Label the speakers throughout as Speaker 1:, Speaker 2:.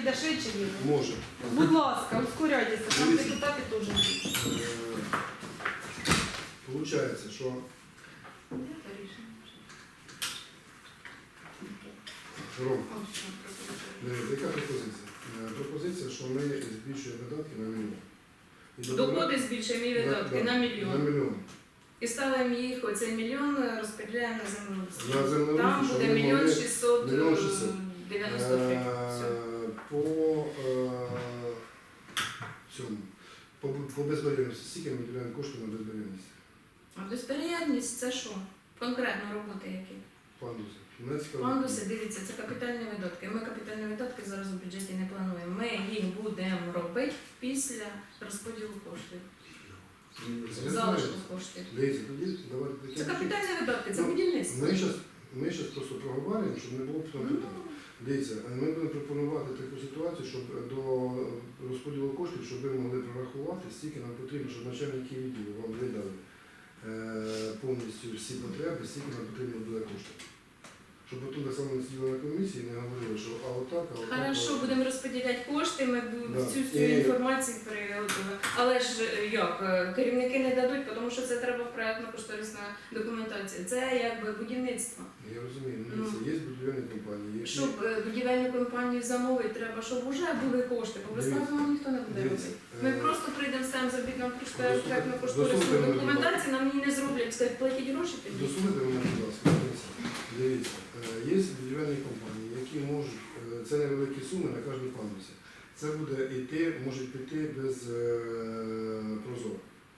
Speaker 1: піде швидше їде.
Speaker 2: Може.
Speaker 1: Будь ласка, ускоряйтеся, там
Speaker 2: Дивіться.
Speaker 1: депутати теж.
Speaker 2: Получається, що Ром, яка пропозиція? Пропозиція, що ми збільшуємо видатки на мільйон.
Speaker 3: Доходи збільшуємо і видатки на
Speaker 2: На
Speaker 3: мільйон.
Speaker 2: мільйон.
Speaker 3: І ставимо їх, оцей мільйон розподіляємо на землеустрій.
Speaker 2: На землеустрій,
Speaker 3: Там
Speaker 2: щоб
Speaker 3: буде
Speaker 2: ми
Speaker 3: мільйон
Speaker 2: могли-
Speaker 3: 693. Все.
Speaker 2: По цьому. По безбар'єрності. Скільки ми виділяємо коштів на безбар'єрність?
Speaker 3: А безперервність це що? Конкретно роботи які?
Speaker 2: Пандуси. Мене цікаво.
Speaker 3: Пандуси, дивіться, це капітальні видатки. Ми капітальні видатки зараз у бюджеті не плануємо. Ми їх будемо робити після розподілу коштів.
Speaker 2: Я
Speaker 3: Залишку
Speaker 2: знаю.
Speaker 3: коштів.
Speaker 2: Дивіться, тоді давайте таке.
Speaker 3: Це капітальні видатки, це
Speaker 2: Ну,
Speaker 3: будівництво.
Speaker 2: Ми зараз просто проговорюємо, щоб не було потім
Speaker 3: Ну,
Speaker 2: питань. Дивіться, ми будемо пропонувати таку ситуацію, щоб до розподілу коштів, щоб ви могли прорахувати, стільки нам потрібно, щоб начальники відділу вам видали повністю всі потреби, стільки нам потрібно буде коштів. Щоб потім так само не сиділи на комісії і не говорили, що а отак, а отак.
Speaker 3: Хорошо,
Speaker 2: а отак.
Speaker 3: будемо розподіляти кошти, ми
Speaker 2: Да.
Speaker 3: всю цю
Speaker 2: І-
Speaker 3: інформацію приготуємо. Але ж як, керівники не дадуть, тому що це треба в проєктно-кошторисна документація. Це якби будівництво.
Speaker 2: Я розумію, дивіться, є будівельні компанії, які...
Speaker 3: Щоб будівельну компанію замовити, треба, щоб вже були кошти, бо безплатно нам ніхто не буде
Speaker 2: Дивіться,
Speaker 3: робити. Ми просто прийдемо, ставимо заробітну
Speaker 2: Дослухайте
Speaker 3: проєктно-кошторисну
Speaker 2: мене,
Speaker 3: документацію, нам її не зроблять, скажуть, платіть гроші тоді.
Speaker 2: Дослухайте мене, будь ласка, дивіться, є будівельні компанії, які можуть, це невеликі суми на кожній пандусі. Це буде йти, можуть піти без прозоро.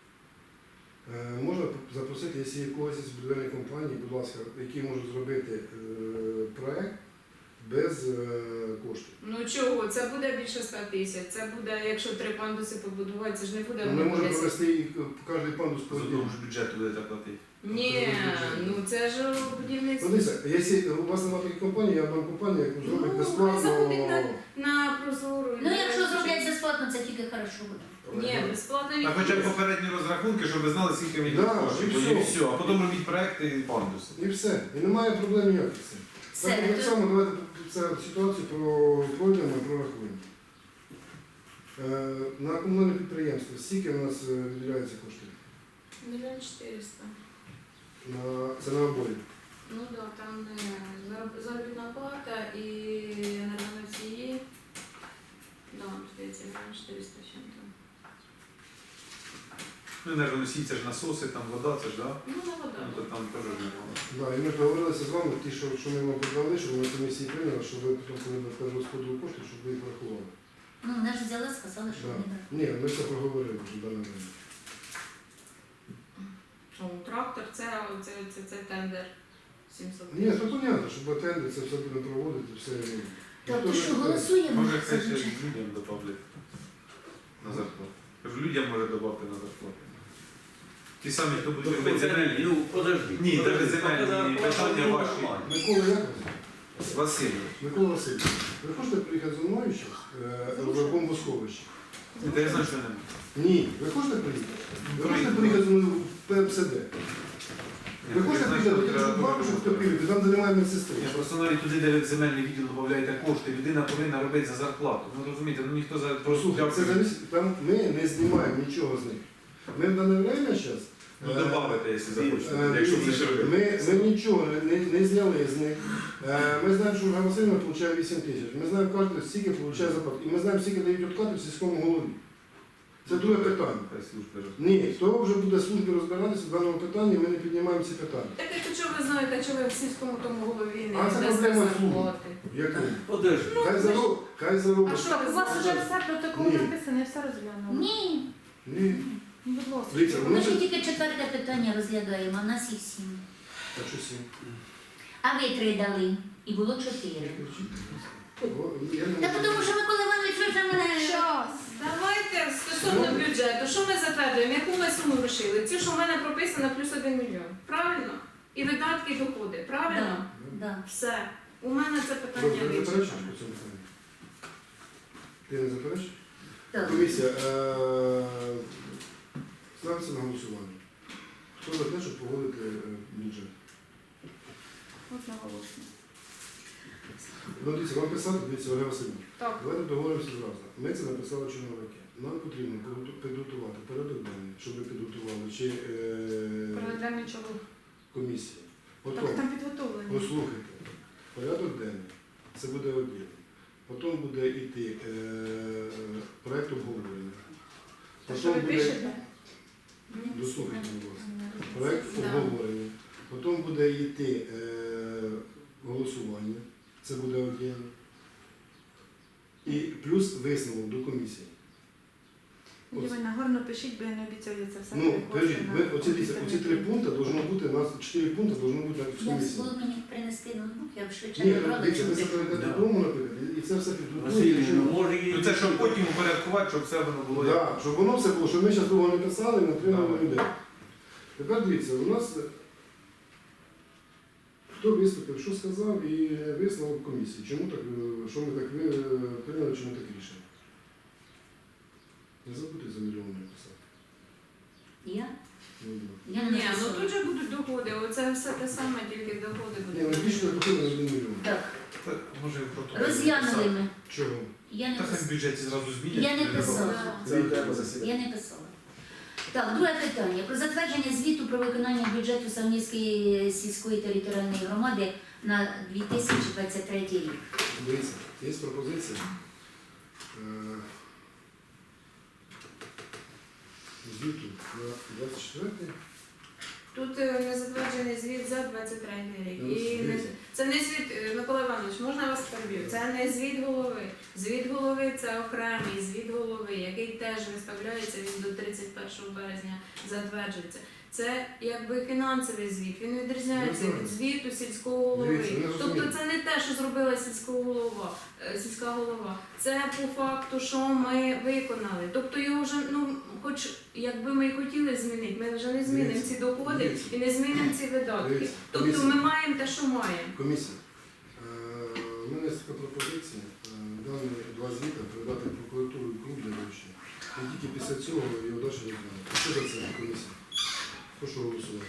Speaker 2: Можна запросити, якщо є когось із будівельної компанії, будь ласка, які можуть зробити проект без коштів.
Speaker 3: Ну чого, це буде більше 100 тисяч, це буде, якщо 3 пандуси побудувати, це ж не буде
Speaker 2: Ми можемо
Speaker 3: 10.
Speaker 2: провести і кожен пандус по
Speaker 4: З одного ж бюджету будете платити.
Speaker 3: Ні, ну це ж будівництво.
Speaker 2: Дивіться, якщо у вас немає такої компанії, я вам компанію, яку зробить
Speaker 3: Ну,
Speaker 2: безплатно.
Speaker 3: закупіть на прозору.
Speaker 5: Ну, якщо зроблять безплатно, це тільки хорошо буде.
Speaker 3: Ні, безплатно
Speaker 4: А хоча б попередні розрахунки, щоб ви знали, скільки ви
Speaker 2: Да,
Speaker 4: коштів.
Speaker 2: і
Speaker 4: І
Speaker 2: все.
Speaker 4: все. А потім робіть проекти і пандуси.
Speaker 2: І все. І немає проблем ніяких з цим.
Speaker 5: Все,
Speaker 2: Так само давайте цю ситуацію пройдемо і прорахуємо. На комунальне підприємство скільки у нас виділяється коштів?
Speaker 3: 1 400 000.
Speaker 2: Це на обоє.
Speaker 3: Ну так, да, там заробітна плата і енергоносії. Да, здається, 1 400 000 чим-то.
Speaker 4: Ну, енергоносій, це ж насоси, там вода, це ж, да?
Speaker 3: Ну, на вода.
Speaker 4: Ну, то там теж немало.
Speaker 2: Да, і ми договорилися з вами, ті, що ми вам подали, щоб ми на комісії прийняли, щоб ви потім, коли ми вкладали розподіл коштів, щоб ви їх врахували.
Speaker 5: Ну, вони ж взяли, сказали, що
Speaker 2: Да.
Speaker 5: не брали.
Speaker 2: Ні, ми все проговорили вже в даний момент.
Speaker 3: Що, трактор, це тендер 700
Speaker 2: Ні, це понятно, що батенди це все будемо проводити, все.
Speaker 5: Тобто,
Speaker 2: Ніхто
Speaker 5: що
Speaker 2: не-
Speaker 5: голосуємо
Speaker 4: Може,
Speaker 5: за
Speaker 4: це ще
Speaker 5: бюджет.
Speaker 4: людям додати на зарплату. Кажу, людям може додати на зарплату. Ті самі, хто буде робити земельні.
Speaker 6: Ну, подожди.
Speaker 4: Ні, навіть земельні
Speaker 6: Поки
Speaker 4: питання
Speaker 6: зарплата
Speaker 4: ваші.
Speaker 6: нормальна.
Speaker 2: Микола як вас?
Speaker 4: Васильович.
Speaker 2: Микола Васильович, ви хочете приїхати зі мною зараз в бомбосховище?
Speaker 4: Та я знаю, що не.
Speaker 2: Ні. Ви хочете приїхати? Ви хочете приїхати зі мною в ПМСД? Ви хочете приїхати до тих бабушок в Топілівці, там, де немає медсестри?
Speaker 4: Я просто навіть туди, де ви земельний відділ додаєте кошти, людина повинна робити за зарплату. Ну розумієте, ну ніхто за
Speaker 2: Послухайте, це зависить, там ми не знімаємо нічого з них. Ми в дане время зараз...
Speaker 4: Ну добавите, якщо захочете, якщо це ще робити.
Speaker 2: Ми нічого не зняли з них. Ми знаємо, що Ольга Васильівна отримує 8 тисяч. Ми знаємо, кожен скільки отримує зарплату. І ми знаємо, скільки дають відкати в сільському голові. Це друге питання.
Speaker 4: Хай служба ж.
Speaker 2: Ні, хто вже буде службі розбиратися в даному питанні, ми не піднімаємо ці питання.
Speaker 3: Так якщо ви знаєте, що ви в сільському тому голові не
Speaker 2: А це
Speaker 3: дасте
Speaker 2: проблема
Speaker 3: зарплати.
Speaker 2: Як ви?
Speaker 6: Подожди.
Speaker 2: Хай заробить.
Speaker 3: А що ви
Speaker 1: У вас вже
Speaker 3: знаєте?
Speaker 1: все протокол
Speaker 2: Ні.
Speaker 1: написаний, все розглянули.
Speaker 5: Ні,
Speaker 2: Ні.
Speaker 1: Ну, будь ласка.
Speaker 2: Дивіться,
Speaker 5: ми ще тільки 4 питання розглядаємо, а в нас їх 7.
Speaker 2: Так що сім.
Speaker 5: А ви 3 дали, і було 4. Та тому що Микола Іванович вже мене...
Speaker 1: Час.
Speaker 3: Давайте стосовно бюджету, що ми затверджуємо, яку ми суму вирішили? Цю, що в мене прописано, плюс 1 мільйон. Правильно? І видатки, і доходи. Правильно?
Speaker 5: Да.
Speaker 3: Все. У мене це питання
Speaker 2: Добре, не заперечуєш
Speaker 3: вирішено.
Speaker 2: по цьому питанню? Ти не заперечуєш?
Speaker 5: Так.
Speaker 2: Комісія, ставиться на голосування. Хто за те, щоб погодити бюджет?
Speaker 1: Одноголосно.
Speaker 2: Ну, дивіться, вам писати, дивіться, Ольга Васильівна.
Speaker 1: Так.
Speaker 2: Давайте договоримося зразу. Ми це написали чиновники. Нам потрібно підготувати порядок денний, щоб ви підготували, чи
Speaker 1: Проведемо нічого.
Speaker 2: комісія.
Speaker 1: Так
Speaker 2: Потім,
Speaker 1: там підготовлені.
Speaker 2: послухайте, порядок денний, це буде один. Потім буде йти проєкт обговорення.
Speaker 1: Та що ви
Speaker 2: Потім буде,
Speaker 1: пишете?
Speaker 2: дослухайте, будь ласка, проєкт
Speaker 3: Да.
Speaker 2: обговорення. Потім буде йти голосування, це буде один. І плюс висновок до комісії.
Speaker 1: Євгенія, гарно пишіть, бо я не обіцяю це все.
Speaker 2: Ну,
Speaker 1: перекласти
Speaker 2: кажіть,
Speaker 1: на
Speaker 2: ви оці 3
Speaker 1: комп'ютер.
Speaker 2: пункти должно бути, у нас 4 пункти должно бути на
Speaker 5: Я
Speaker 2: комісії.
Speaker 5: було мені принести ноутбук, я б швидше
Speaker 2: Ні,
Speaker 5: набрала.
Speaker 2: дивіться, ви
Speaker 5: чим
Speaker 2: це перейдете
Speaker 6: Да.
Speaker 2: додому, наприклад, і це все
Speaker 6: Василь,
Speaker 2: підготуєте.
Speaker 6: ну, може і...
Speaker 4: Ну це щоб потім упорядкувати, щоб все воно було як.
Speaker 2: Так, щоб воно все було, щоб ми зараз довго не писали і не отримали людей. Тепер дивіться, у нас хто виступив, що сказав і висновок комісії. Чому так, що ми так прийняли, чому так рішення? Не забудьте за мільйон написати.
Speaker 5: Я?
Speaker 2: Ну,
Speaker 5: Я не
Speaker 3: Ні, ну
Speaker 5: написала.
Speaker 3: тут же будуть доходи. Оце все те саме, тільки доходи
Speaker 2: Ні, ну
Speaker 3: будуть.
Speaker 2: більше не потрібно на 1 мільйон.
Speaker 5: Так,
Speaker 4: Так, може протокол.
Speaker 5: розглянули ми.
Speaker 2: Чого?
Speaker 5: Я не
Speaker 4: Та хай в
Speaker 5: писала.
Speaker 4: бюджеті зразу змінять.
Speaker 5: Я не писала.
Speaker 2: Це окреме засідання.
Speaker 5: Я не писала. Так, друге питання. Про затвердження звіту про виконання бюджету Савнівської сільської територіальної громади на 2023 рік.
Speaker 2: Дивіться, є пропозиція. Звіту на 24-й.
Speaker 3: Тут не затверджений звіт за 23 рік.
Speaker 2: Ну,
Speaker 3: І не,
Speaker 2: дивіться.
Speaker 3: це не звіт, Микола Іванович, можна я вас переб'ю? Це не звіт голови. Звіт голови це окремий звіт голови, який теж виставляється, він до 31 березня затверджується. Це якби фінансовий звіт, він відрізняється від звіту сільського голови.
Speaker 2: Дивіться, ви
Speaker 3: Тобто
Speaker 2: розумієте.
Speaker 3: це не те, що зробила сільська голова. Це по факту, що ми виконали. Тобто його вже, ну, хоч якби ми і хотіли змінити, ми вже не змінимо
Speaker 2: Дивіться,
Speaker 3: ці доходи
Speaker 2: дивіться.
Speaker 3: і не змінимо ці видатки.
Speaker 2: Дивіться,
Speaker 3: Тобто
Speaker 2: комісія.
Speaker 3: ми маємо те, що маємо.
Speaker 2: Комісія. У мене є така пропозиція. Дані два звіта передати в прокуратуру і клуб для вивчення. І тільки після цього його далі розглянути. Що за це комісія? Прошу голосувати.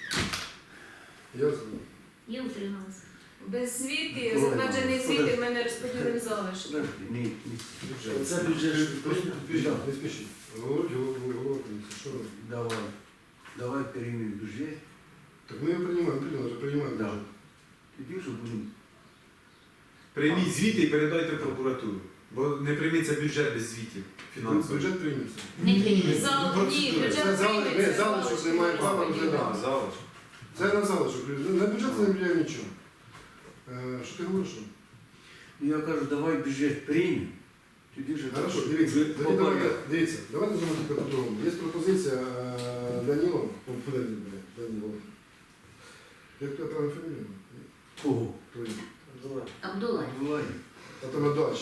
Speaker 2: Я за.
Speaker 5: Я утрималася.
Speaker 3: Без звіти,
Speaker 6: Ой,
Speaker 3: затверджений звіт,
Speaker 6: подожди.
Speaker 3: і ми не розподілимо залишки.
Speaker 6: Подожди, ні.
Speaker 2: Бюджет.
Speaker 6: Це бюджет.
Speaker 2: Не спішіть. Говорить голова комісії. Що робити?
Speaker 6: Давай переймем бюджет.
Speaker 2: Так ми його приймаємо, вже приймаємо
Speaker 6: Да.
Speaker 2: бюджет.
Speaker 6: Тоді вже будемо.
Speaker 4: Прийміть звіти і передайте в прокуратуру. Бо не прийметься бюджет без звітів фінансових.
Speaker 2: Бюджет прийметься.
Speaker 5: Не приймемо.
Speaker 3: Ні,
Speaker 2: Це
Speaker 3: бюджет
Speaker 2: залишок,
Speaker 3: прийметься.
Speaker 2: залишок немає права розглядати.
Speaker 4: Залиш.
Speaker 2: Це на залишок. На бюджет не влияє нічого. Що ти говориш?
Speaker 6: Ну, я кажу, давай бюджет приймемо. Тоді вже
Speaker 2: Хорошо,
Speaker 6: так,
Speaker 2: дивіться,
Speaker 6: по
Speaker 2: тоді давайте,
Speaker 6: порядку.
Speaker 2: дивіться, давайте зробимо тільки по-другому. Є пропозиція Данілова, Данілова. Як твоя правильна фамілія?
Speaker 6: Кого?
Speaker 2: Твої.
Speaker 5: Абдулай.
Speaker 6: Давай.
Speaker 2: А то на дачі.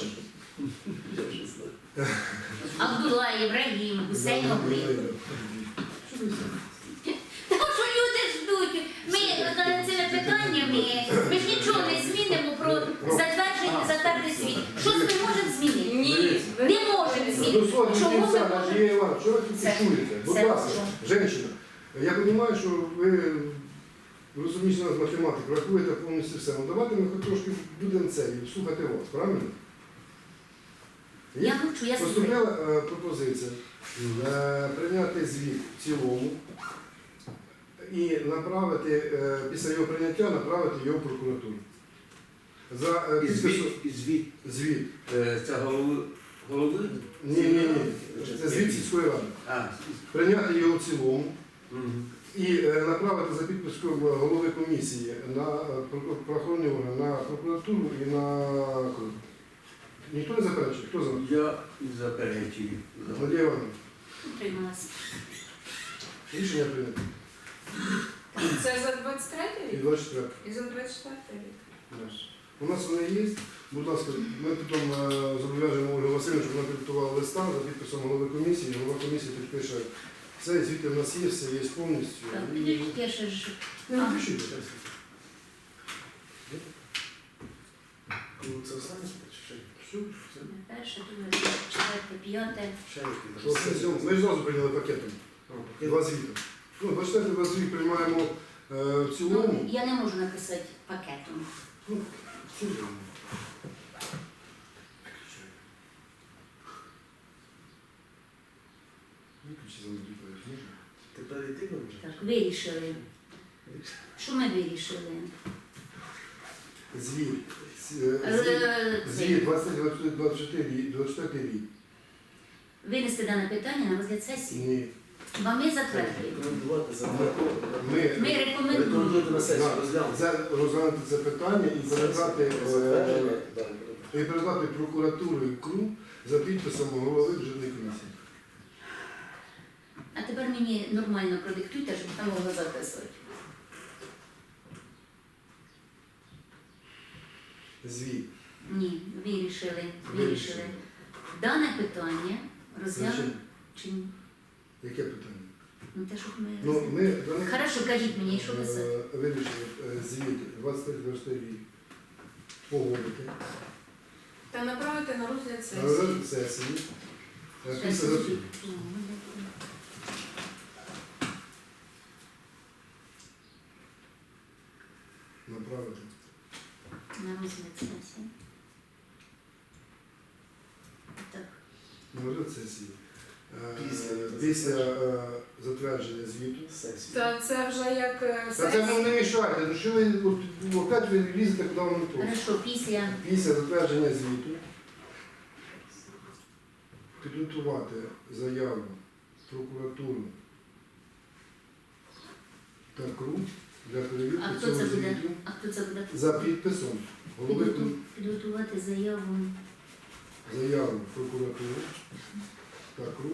Speaker 5: Абдулай, Ібрагім, Гусейн Оглі.
Speaker 2: Що ви все?
Speaker 5: Тому що люди ждуть. Ми цими питаннями, ми ж нічого не змінимо про затвердження затвердий світ. Щось ми можемо змінити?
Speaker 3: Ні, ви
Speaker 5: Не можемо змінити.
Speaker 2: Дозвольте
Speaker 5: Чому
Speaker 2: кінця,
Speaker 5: ми
Speaker 2: Надія Івановна, що ви тут
Speaker 5: Це-
Speaker 2: чуєте? Будь
Speaker 5: це
Speaker 2: ласка,
Speaker 5: що?
Speaker 2: жінка, я розумію, що ви розумієте нас математику, рахуєте повністю все. Ну давайте ми хоч трошки будемо це і слухати вас, правильно?
Speaker 5: Я мовчу, я слухаю.
Speaker 2: Поступила пропозиція прийняти звіт в цілому і направити, після його прийняття, направити його в прокуратуру. За
Speaker 6: І
Speaker 2: підписом
Speaker 6: звіт,
Speaker 2: звіт.
Speaker 6: це голови?
Speaker 2: Ні. Це звіт сільської ради.
Speaker 6: А,
Speaker 2: Прийняти його в цілому
Speaker 6: мгм.
Speaker 2: і направити за підписком голови комісії на правоохоронні органи, на прокуратуру і на КРУ. Ніхто не заперечує? Хто за?
Speaker 6: Я заперечую.
Speaker 2: Надія Івановна.
Speaker 5: Утрималася.
Speaker 2: Рішення прийнято.
Speaker 3: це за 23
Speaker 2: І
Speaker 3: рік
Speaker 2: 24.
Speaker 3: і за 24 рік.
Speaker 2: У нас вони є. Будь ласка, ми потім зобов'яжемо Ольгу Васильівну, щоб вона підготувала листа за підписом голови комісії. Голова комісії підпише це, звідти в нас є, все є повністю.
Speaker 5: Так,
Speaker 2: І...
Speaker 5: підійдіть, я ще ж.
Speaker 2: Не напишіть.
Speaker 7: Це останнє чи
Speaker 2: Все, все.
Speaker 5: Перше, друге, четверте, п'яте.
Speaker 7: ще які
Speaker 2: Що це сьоме? Ми ж зразу прийняли пакетом. Два звіти. Ну, 24 два звіт приймаємо в цілому.
Speaker 5: Ну, я не можу написати пакетом.
Speaker 2: Ці ж вони. Виключи за мною, можна?
Speaker 6: Тепер і ти вже?
Speaker 5: Так, вирішили. Що ми вирішили?
Speaker 2: Звіт.
Speaker 5: Це,
Speaker 2: Звіт 24 рік.
Speaker 5: Винести дане питання на розгляд сесії.
Speaker 2: Ні.
Speaker 5: Бо ми затвердили.
Speaker 6: Рекомендувати за
Speaker 5: Ми рекомендуємо.
Speaker 6: рекомендувати на сесію,
Speaker 2: Да,
Speaker 6: розглянути.
Speaker 2: розглянути це питання і передати,
Speaker 6: Затвердження, так.
Speaker 2: і передати прокуратуру і КРУ за підписом голови бюджетної комісії.
Speaker 5: А тепер мені нормально продиктуйте, щоб там могла записувати.
Speaker 2: Звіт.
Speaker 5: Ні, вирішили. Дане питання розглянути
Speaker 2: Значить,
Speaker 5: чи ні?
Speaker 2: яке питання?
Speaker 5: Ну те, щоб ми...
Speaker 2: Ну, ми дане-
Speaker 5: Хорошо, кажіть мені, що писати?
Speaker 2: Вирішили звіт 23 рік погодити.
Speaker 3: Та направити на розгляд
Speaker 2: На
Speaker 3: сесії.
Speaker 2: розгляд сесії. Після зап- направити.
Speaker 5: На розгляд сесії. Так.
Speaker 2: На розгляд сесії.
Speaker 6: Після.
Speaker 2: Після затвердження звіту.
Speaker 6: Сесію.
Speaker 3: Та це вже як
Speaker 2: Та це
Speaker 3: сесія.
Speaker 2: ви не мішайте, ну що ви опять ви лізете, куди вам не то.
Speaker 5: Хорошо, після
Speaker 2: Після затвердження звіту підготувати заяву в прокуратуру та КРУ для
Speaker 5: А
Speaker 2: перевірки
Speaker 5: хто
Speaker 2: цього
Speaker 5: це буде?
Speaker 2: звіту
Speaker 5: А хто це буде?
Speaker 2: за підписом голови
Speaker 5: Підготувати заяву.
Speaker 2: заяву в прокуратуру та КРУ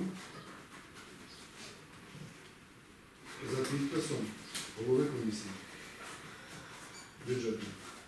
Speaker 2: за підписом голови комісії бюджетної.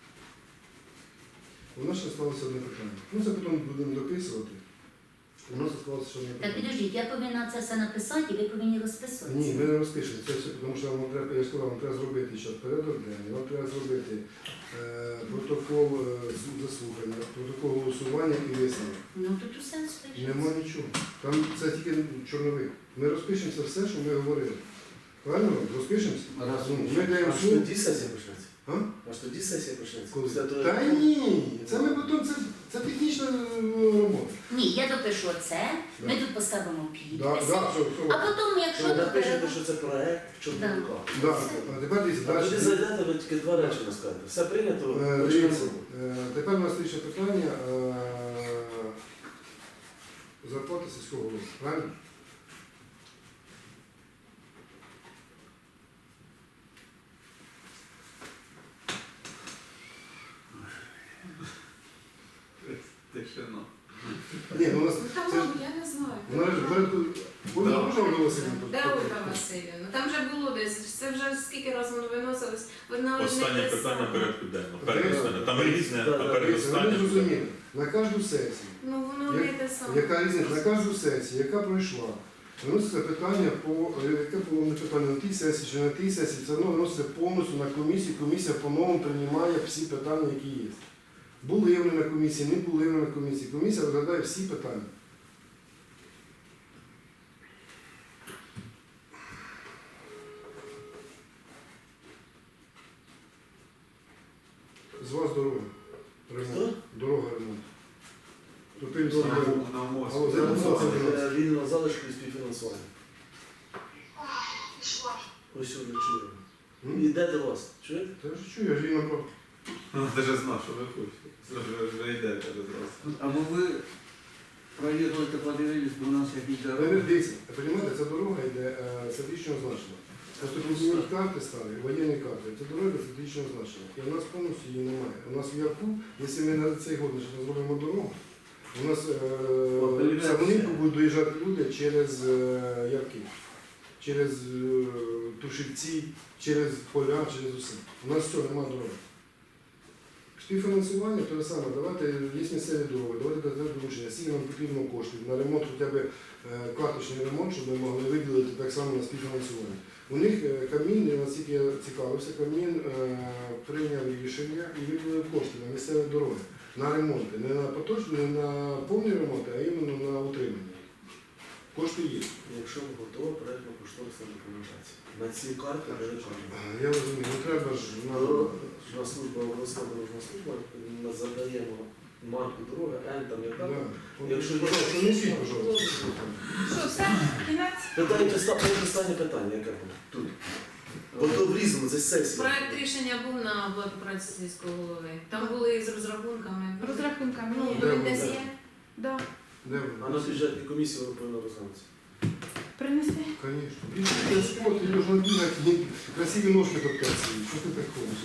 Speaker 2: У нас ще залишилося одне питання. Ну це потім будемо дописувати. У нас залишилося ще одне
Speaker 5: Так,
Speaker 2: питання.
Speaker 5: підождіть, я повинна це все написати, і ви повинні розписувати.
Speaker 2: Ні, ми не розпишемо. Це все, тому що вам треба, я ж сказав, вам треба зробити ще порядок денний, вам треба зробити протокол заслухання, протокол голосування і висновок.
Speaker 5: Ну тут усе спишеться.
Speaker 2: Нема нічого. Там це тільки чорновик. Ми розпишемося все, що ми говорили. Правильно? Розпишемося?
Speaker 6: Раз.
Speaker 2: Ну, ми даємо
Speaker 6: Аж
Speaker 2: суд.
Speaker 6: тоді сесія почнеться.
Speaker 2: А?
Speaker 6: Аж тоді сесія почнеться.
Speaker 2: Коли?
Speaker 6: Після того,
Speaker 2: Та
Speaker 6: як-
Speaker 2: ні, це ми потім, це технічна робота.
Speaker 5: Ні, я допишу це,
Speaker 2: Да.
Speaker 5: ми тут поставимо підписи.
Speaker 2: Да, все.
Speaker 5: А потім, якщо
Speaker 6: Ви напишете, що це проект, що
Speaker 5: Да.
Speaker 6: буде.
Speaker 2: Да. А тепер дивіться,
Speaker 6: А тоді
Speaker 2: далі.
Speaker 6: зайдете, ви тільки два речі не скажете. Все прийнято, почнемо
Speaker 2: Дивіться,
Speaker 6: роботу.
Speaker 2: тепер у нас ще питання зарплати сільського голови. Правильно?
Speaker 4: Тишина.
Speaker 2: Ні, ну у нас
Speaker 3: Ну, там,
Speaker 2: це ж
Speaker 3: я не знаю.
Speaker 2: вона ж в порядку. Буде
Speaker 4: Да.
Speaker 2: можна оголосити?
Speaker 3: Де Ольга Васильівна? Там вже було десь. Це вже скільки разів воно виносилось. Вона
Speaker 4: Останнє
Speaker 3: не те
Speaker 4: питання
Speaker 3: саме.
Speaker 4: порядку денного. Передостаннє. Там різне,
Speaker 6: Да,
Speaker 4: а
Speaker 6: да,
Speaker 2: Дивіться, ви не
Speaker 4: передостаннє.
Speaker 2: зрозуміли. На кожну сесію,
Speaker 3: Ну воно не те саме.
Speaker 2: яка різниця, на кожну сесію, яка пройшла, виноситься питання яке було не питання на тій сесії чи на тій сесії, це воно виноситься повністю на комісію, комісія по-новому приймає всі питання, які є. Були вони на комісії, не були вони на комісії. Комісія розглядає всі питання. З вас дорога. Ремонт. Дорога ремонт. Тупинський
Speaker 6: Дорога.
Speaker 2: ремонт.
Speaker 4: На мозку.
Speaker 2: Алло,
Speaker 6: Це
Speaker 2: Це
Speaker 6: буде вільного залишку і співфінансування. Ось що ви чуємо.
Speaker 2: М?
Speaker 6: Іде до вас. Чуєте?
Speaker 2: Та я ж чую, я ж її набрав.
Speaker 4: Ти ж знав, що ви хочете. Вже йдете зараз.
Speaker 6: А ви проїхали та подивились, бо у нас якісь
Speaker 2: Ви
Speaker 6: дороги.
Speaker 2: не дивіться, розумієте, ця дорога йде стратегічного значення. Просто коли карти стали, воєнні карти, це дорога стратегічного значення. І у нас повністю її немає. У нас в Ярку, якщо ми на цей год не зробимо дорогу, у нас в Самонівку будуть доїжджати люди через Ярки, через Тушівці, через поля, через усе. У нас все, немає дороги. Співфінансування те саме, давайте, є місцеві дороги, давайте дати доручення, скільки нам потрібно коштів на ремонт, хоча б карточний ремонт, щоб ми могли виділити так само на співфінансування. У них Кабмін, наскільки я цікавився, Кабмін прийняв рішення і виділив кошти на місцеві дороги, на ремонти, не на поточні, не на повні ремонти, а іменно на утримання. Кошти є.
Speaker 7: Якщо готова проєктно-кошторисна документація. На ці карти не виконуємо.
Speaker 2: Я розумію, ну треба ж
Speaker 7: На служба обласна дорожна служба ми задаємо марку дороги, N там яка.
Speaker 2: Да.
Speaker 7: Якщо є-
Speaker 2: Пожалуйста, несіть, пожалуйста.
Speaker 1: Що, все? Кінець?
Speaker 7: Питання, останнє питання, яке було тут. Бо то врізано, це сесія.
Speaker 3: Проект рішення був на оплату праці сільського голови. Там були з розрахунками.
Speaker 1: Розрахунками.
Speaker 3: Ну,
Speaker 1: Ні.
Speaker 3: то він десь є.
Speaker 1: Да.
Speaker 2: Де
Speaker 7: А на
Speaker 2: ви?
Speaker 7: бюджетній комісії воно повинно розглянутися.
Speaker 1: Принеси.
Speaker 2: Конечно. Більше спорт, і можна бігати, і красиві ножки топтаться. Що ти приходиш?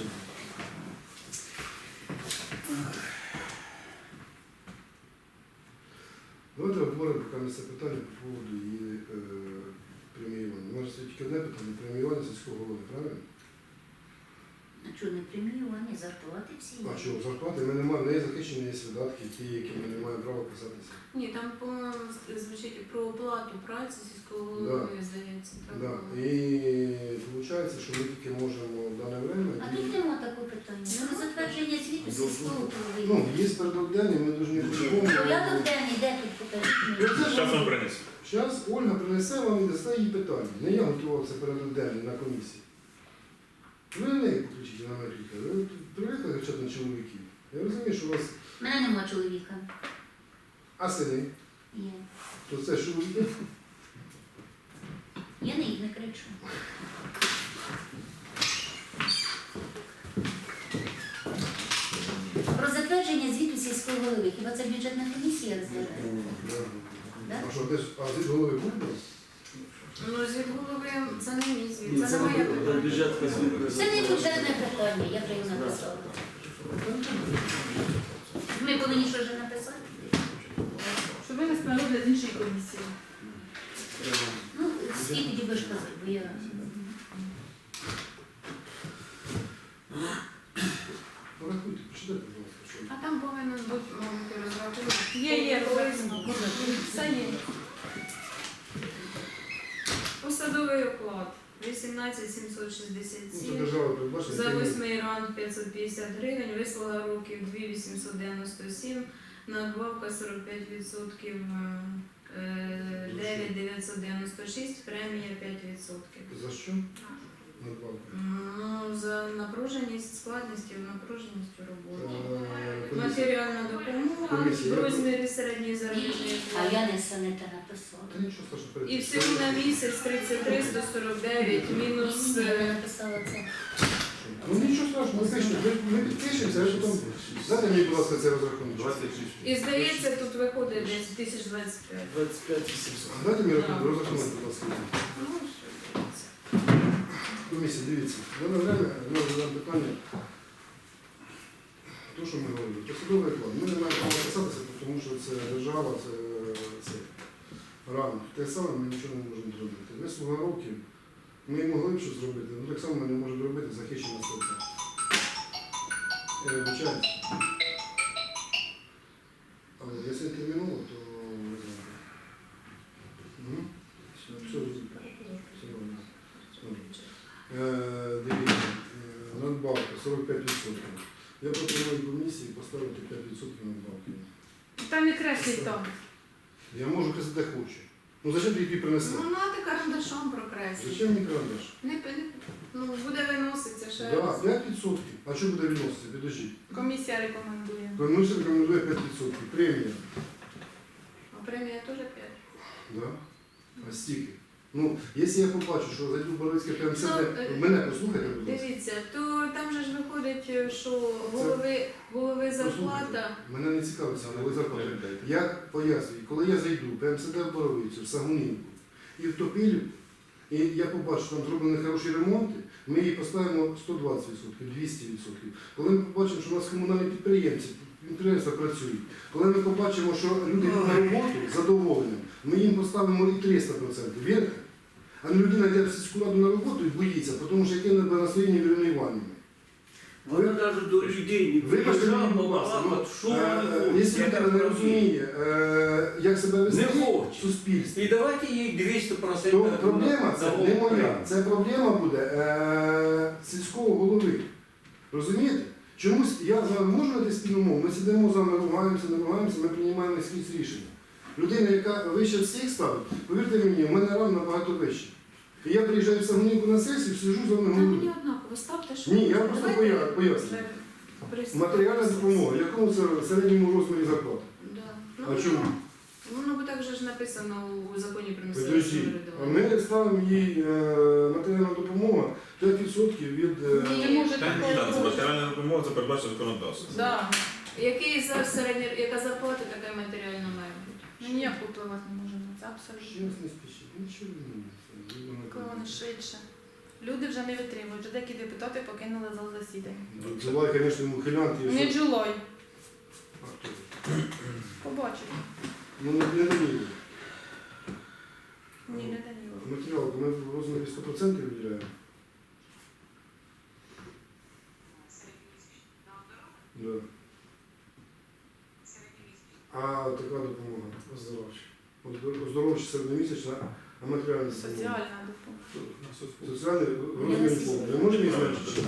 Speaker 2: Давайте обговоримо поки на це питання по поводу її преміювання. У нас є тільки одне питання – преміювання сільського голови, правильно?
Speaker 5: А чого не преміювання, зарплати всі є?
Speaker 2: А що, зарплати ми не маємо, не є захищені, є видатки, ті, які ми не маємо права писатися.
Speaker 3: Ні, там, по-моєму, звучить про оплату праці сільського голови, здається. Так
Speaker 2: Да.
Speaker 3: було.
Speaker 2: І виходить, що ми тільки можемо в дане время...
Speaker 5: А тут нема такого питання. Про затвердження звіту сільського голови.
Speaker 2: Ну, є порядок денний, ми повинні по-любому...
Speaker 5: Порядок денний, де тут покажіть мені?
Speaker 4: Зараз вам принесу.
Speaker 2: Зараз Ольга принесе вам і дасте їй питання. Не я готував це порядок денний на комісії. Ви на неї поключіть на мене кліка. Ви привикли кричати на чоловіків. Я розумію, що у вас...
Speaker 5: У мене нема чоловіка.
Speaker 2: А сини?
Speaker 5: Є.
Speaker 2: То це чоловіки?
Speaker 5: Я на їх не кричу. Про затвердження звіту сільського голови. Хіба це бюджетна комісія розглядає? Да?
Speaker 2: А що, десь, а звід голови був у вас?
Speaker 3: Ну, звід голови, це не мій звіт,
Speaker 7: Ні,
Speaker 3: це
Speaker 7: це
Speaker 3: не моє
Speaker 7: на
Speaker 3: питання.
Speaker 7: бюджетна звітна.
Speaker 5: Це не бюджетне питання, я вже його написала. Ми повинні що вже написати?
Speaker 1: Щоб винести на розгляд іншої комісії.
Speaker 5: Ну, скільки тоді будеш казати, бо я...
Speaker 2: Порахуйте, почитайте, будь ласка, що.
Speaker 3: А там повинен бути, мабуть, розрахунок.
Speaker 1: Є, все є.
Speaker 3: Посадовий оклад
Speaker 2: Ну, це
Speaker 3: 18767.
Speaker 2: держава передбачена.
Speaker 3: За 8 ранг 550 гривень, вислуга років 2897, надбавка 45%, 9996, премія 5%.
Speaker 2: За що? Надбавка.
Speaker 3: Ну, за напруженість, складністю, напруженістю роботи.
Speaker 2: Комісія.
Speaker 3: Матеріальна допомога
Speaker 2: Комісія.
Speaker 3: в розмірі середньої заробітної
Speaker 5: А я
Speaker 3: плати.
Speaker 5: не все те написала.
Speaker 2: Та нічого страшного.
Speaker 3: І всього на місяць 33 149 мінус.
Speaker 5: Ні, я написала це.
Speaker 2: Ну нічого страшного, ми підпишемося, а що там... Дайте мені, будь ласка, цей розрахунок.
Speaker 4: 26.
Speaker 3: І здається, тут виходить десь 1025.
Speaker 7: 25 800.
Speaker 2: Дайте мені розрахунок, будь ласка.
Speaker 3: Ну, що дивіться.
Speaker 2: Комісія, дивіться, в дане время ми розглядаємо питання, то, що ми говорили, посадовий оклад. Ми не маємо права писатися, тому що це держава, це ранг. Те саме ми нічого не можемо зробити. Вислуга років, ми могли б щось зробити, але так само ми не можемо робити захищена сотка. Я вибачаюсь. Але якщо терміново, то не знаю. Угу. Все, розумію. Все нормально. Дивіться, надбавка 45%. Я пропоную комісії поставити 5% надбавки.
Speaker 1: Там і креслить там.
Speaker 2: Я можу казати, де хочу. Ну зачем ти її принесли?
Speaker 3: Ну, надо карандашом прокреслити.
Speaker 2: Зачем мені карандаш?
Speaker 3: Ну, буде виноситися ще
Speaker 2: Да,
Speaker 3: раз.
Speaker 2: 5%. А що буде відноситися? Підождіть.
Speaker 1: Комісія рекомендує.
Speaker 2: Комісія рекомендує 5%. Премія.
Speaker 3: А премія теж 5.
Speaker 2: Да? А стільки? Ну, якщо я побачу, що зайду в Боровицьке ПМСД,
Speaker 3: Ну,
Speaker 2: мене послухайте, будь ласка.
Speaker 3: Дивіться, то там же ж виходить, що голови зарплата.
Speaker 2: Послухайте, мене не цікавиться, коли зарплата. Я пояснюю, коли я зайду в ПМСД в Боровицю, в Сагунівку і в Топилівку, і я побачу, що там зроблені хороші ремонти, ми її поставимо 120%, 200%. Коли ми побачимо, що у нас комунальні підприємства працюють, коли ми побачимо, що люди йдуть на роботу з задоволенням, ми їм поставимо і 300%. Вірите? А не людина йде в сільську раду на роботу і боїться, тому що яке не на своїй Ірини Іванівни.
Speaker 6: Вона навіть до людей не
Speaker 2: Вибачте мені,
Speaker 6: приїжджала,
Speaker 2: будь ласка,
Speaker 6: балакала, що вони
Speaker 2: якщо
Speaker 6: хочуть.
Speaker 2: людина не розуміє, як себе вести
Speaker 6: Не хоче.
Speaker 2: в суспільстві,
Speaker 6: І давайте їй 200%.
Speaker 2: то проблема це
Speaker 6: на
Speaker 2: не
Speaker 6: голову.
Speaker 2: моя, це проблема буде сільського голови. Розумієте? Чомусь я з вами можу знайти спільну мову, ми сидимо з вами, ругаємося, не ругаємося, ми приймаємо якісь рішення. Людина, яка вище всіх ставить, повірте мені, в мене ран набагато вище. І я приїжджаю в Сагунівку на сесію, сижу з вами
Speaker 1: Та мені
Speaker 2: говорю.
Speaker 1: однаково, ставте, що
Speaker 2: Ні, я
Speaker 1: хочете.
Speaker 2: просто
Speaker 1: Давайте
Speaker 2: пояснюю.
Speaker 1: при-
Speaker 2: Матеріальна допомога, в якому це середньому розмірі зарплати?
Speaker 3: Да.
Speaker 2: А чому?
Speaker 3: Воно би так же ж написано у законі про місцеве
Speaker 2: Подожди, а
Speaker 3: самоврядування.
Speaker 2: ми ставимо їй матеріальна допомога 5% від...
Speaker 3: Ні,
Speaker 1: Не може
Speaker 4: Та ні,
Speaker 1: такого
Speaker 4: так, це
Speaker 1: бути.
Speaker 4: матеріальна допомога, це передбачено законодавством.
Speaker 3: Да. Який зараз середня, яка зарплата, така й матеріальна має бути.
Speaker 1: Ми ніяк впливати не можемо на це, абсолютно.
Speaker 2: Щас не спішіть, нічого не міняється.
Speaker 1: Коли вони швидше. Люди вже не витримують, вже деякі депутати покинули зал засідання.
Speaker 2: Джулай, звісно, мухилянт і
Speaker 1: Не
Speaker 2: все.
Speaker 1: Джулой,
Speaker 2: А хто?
Speaker 1: побачив.
Speaker 2: Ну, не Даніло.
Speaker 1: Ні, не Даніло.
Speaker 2: Матеріал, ми в розмірі 100% виділяємо. Да. А така допомога оздоровча. Оздоровча середньомісячна, а матеріальна допомога.
Speaker 1: Соціальна допомога.
Speaker 2: Соціальний розмір повний. Ми можемо їх зменшити?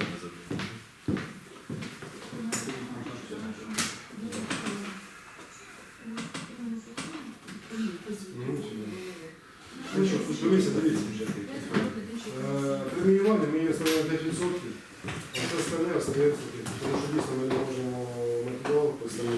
Speaker 2: Ну що, тут комісія, дивіться. Преміювання ми її ставимо 5%, а все остальне остається, тому що дійсно ми не можемо матеріал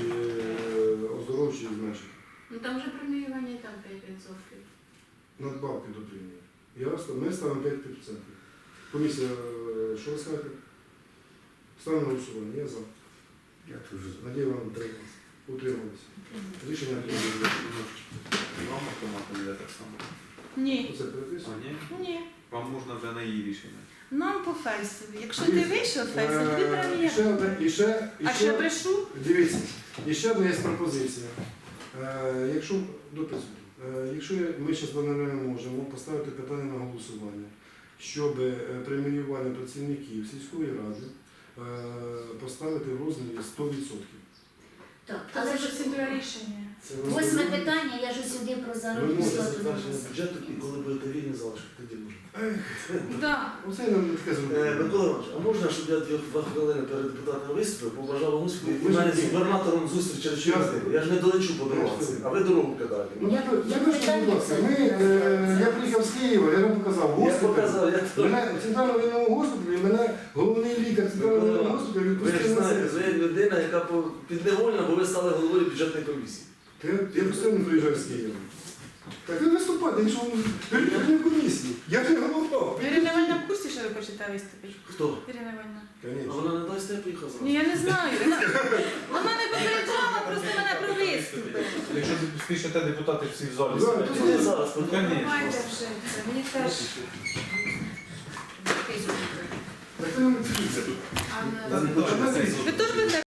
Speaker 2: оздоровчий зменшити.
Speaker 3: Ну там же преміювання і так 5%.
Speaker 2: Надбавки до премії. Ми ставимо 5%. Комісія, що ви скажете? Ставимо на голосування. Я за.
Speaker 6: Я теж за.
Speaker 2: Надія вам утрималися. Рішення прийнято.
Speaker 4: Вам автоматом йде так само.
Speaker 1: Ні.
Speaker 2: Оце переписуємо.
Speaker 4: А ні?
Speaker 1: Ні.
Speaker 4: Вам можна вже на її рішення.
Speaker 1: Нам по фейсові. Якщо ти вийшов фейсові, тобі
Speaker 2: І ще
Speaker 1: премія.
Speaker 2: одне- і ще- і
Speaker 1: А
Speaker 2: ще-
Speaker 1: ще брешу?
Speaker 2: Дивіться, і ще одна є пропозиція. Якщо дописуйте. Якщо ми зараз не можемо поставити питання на голосування, щоб преміювання працівників сільської ради поставити в розмірі 100%.
Speaker 5: Так,
Speaker 1: Це
Speaker 5: але
Speaker 1: вже
Speaker 5: ж
Speaker 1: процедура рішення.
Speaker 7: Це
Speaker 5: восьме питання, я ж сюди про
Speaker 7: Ви
Speaker 5: заробітну
Speaker 7: можете
Speaker 5: плату
Speaker 7: затвердження
Speaker 5: вносила.
Speaker 7: бюджету, і коли будете вільні залишити, тоді можна.
Speaker 1: Так.
Speaker 2: Оце я нам таке зробив.
Speaker 7: Микола Іванович, а можна, щоб я 2 хвилини перед депутатом виступив, побажав успіху, і
Speaker 2: Ви
Speaker 7: в мене
Speaker 2: ж-
Speaker 7: з губернатором зустріч через 4 години. Я ж не долечу по дорозі, а ви дорогу кидаєте.
Speaker 2: Ну,
Speaker 5: Я-
Speaker 2: я
Speaker 5: я
Speaker 2: кажу,
Speaker 5: питання
Speaker 2: будь ласка,
Speaker 5: це-
Speaker 2: я приїхав з Києва, я вам показав,
Speaker 7: Я
Speaker 2: госпіталь.
Speaker 7: показав, я
Speaker 2: Мене в центральному воєнному госпіталі, мене головний лікар центрального воєнного госпіталю
Speaker 7: Ви ж
Speaker 2: відпустив на
Speaker 7: знаєте,
Speaker 2: сесію.
Speaker 7: ви людина, яка підневольна, бо ви стали головою бюджетної комісії.
Speaker 2: Я постійно приїжджаю з Києва. Так ви виступайте, якщо ви в комісії. Я не голова.
Speaker 1: Ірина Івановна в курсі, що ви хочете виступити?
Speaker 7: Хто?
Speaker 1: Ірина Івановна.
Speaker 7: А
Speaker 2: Конечно.
Speaker 7: вона не дасть, я поїхав
Speaker 1: Ні,
Speaker 7: зразу.
Speaker 1: я не знаю. Вона не попереджала просто мене про виступи.
Speaker 4: Якщо ти спішите, депутати всі в залі
Speaker 2: Да,
Speaker 4: сидять.
Speaker 2: тут
Speaker 7: Ти зараз,
Speaker 4: Ну, конечно.
Speaker 3: Давайте вже це. Мені теж. Який звук?
Speaker 2: Так ви не дивіться.
Speaker 3: А
Speaker 4: Та
Speaker 3: не-
Speaker 4: не точно, це
Speaker 1: Ви теж будете